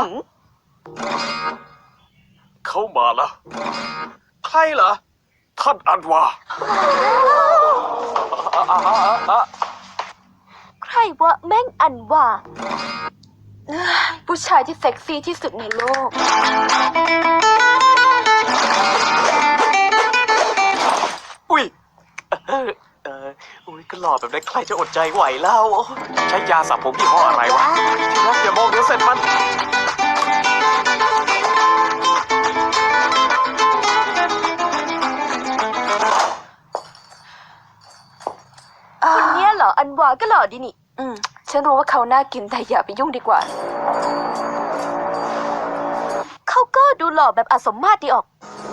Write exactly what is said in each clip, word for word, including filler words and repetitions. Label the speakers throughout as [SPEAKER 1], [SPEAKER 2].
[SPEAKER 1] เขามาแล้วใครเหรอท่านอันวา
[SPEAKER 2] ใครวะแม่งอันว่าผู้ชายที่เซ็กซี่ที่สุดในโลก
[SPEAKER 1] อุ้ยเออเอออุ้ยก็หล่อแบบนั้นใครจะอดใจไหวเล่าใช้ยาสระผมยี่ห้ออะไรวะที่รักอย่ามองเดี๋ยวเสร็จมัน
[SPEAKER 2] คนเนี้ยเหรออันวาก็หล่อดีนี่อืมฉันรู้ว่าเขาน่ากินแต่อย่าไปยุ่งดีกว่าเขาก็ดูหล่อแบบอสมมาตรดีออก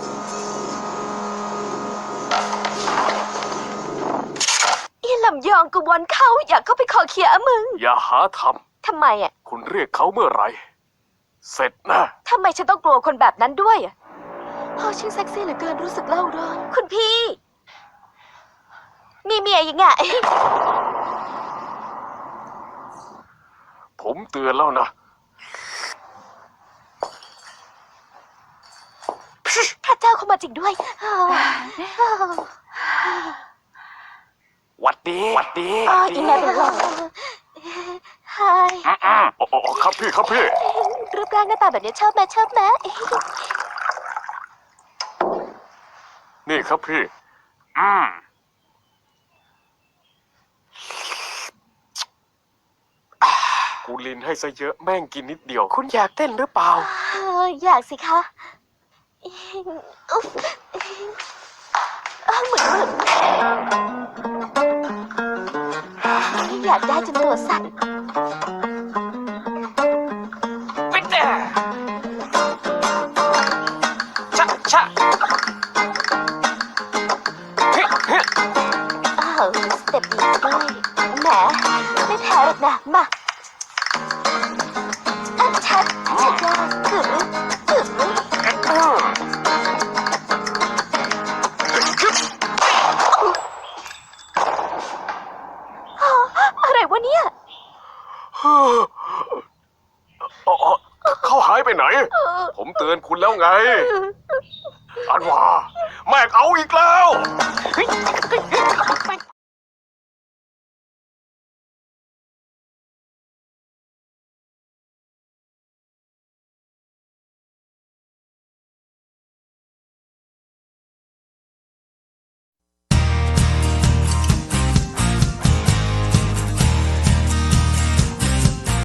[SPEAKER 2] อีลำยองกวนเขาอยากเข้าไปขอเคลียร์อะมึง
[SPEAKER 1] อย่าหาทำ
[SPEAKER 2] ทำไมอ่ะ
[SPEAKER 1] คุณเรียกเขาเมื่อไหร่เสร็จนะ
[SPEAKER 2] ทำไมฉันต้องกลัวคนแบบนั้นด้วยอ่ะพ่อชื่อเซ็กซี่เหลือเกินรู้สึกเล่าร้อนคุณพี่มีเมียยังไง
[SPEAKER 1] ผมเตือนแล้วนะ
[SPEAKER 2] พระเจ้าเข้ามาจริงด้วย
[SPEAKER 1] หวัดดีหวัดดี
[SPEAKER 2] อ๋ออีแม่เป็นลมฮาย
[SPEAKER 1] อ๋อครับพี่ครับพี่
[SPEAKER 2] รูปร่างหน้าตาแบบนี้ชอบไหมชอบไหม
[SPEAKER 1] นี่ครับพี่อืมกูลินให้ซะเยอะแม่งกินนิดเดียวคุณอยากเต้นหรือเปล่า
[SPEAKER 2] อยากสิคะเหมือนอยากได้จนตัวสั่น
[SPEAKER 1] ไปเด้ชะชะเฮ้เฮ้
[SPEAKER 2] อ้าวสเต็ปดีด้วยแหมไม่แพ้หรอกนะมาอันชัดชัดยากถือถืออะไรวะเนี่ย
[SPEAKER 1] เขาหายไปไหนผมเตือนคุณแล้วไงอันว่าแม่เอาอีกแล้ว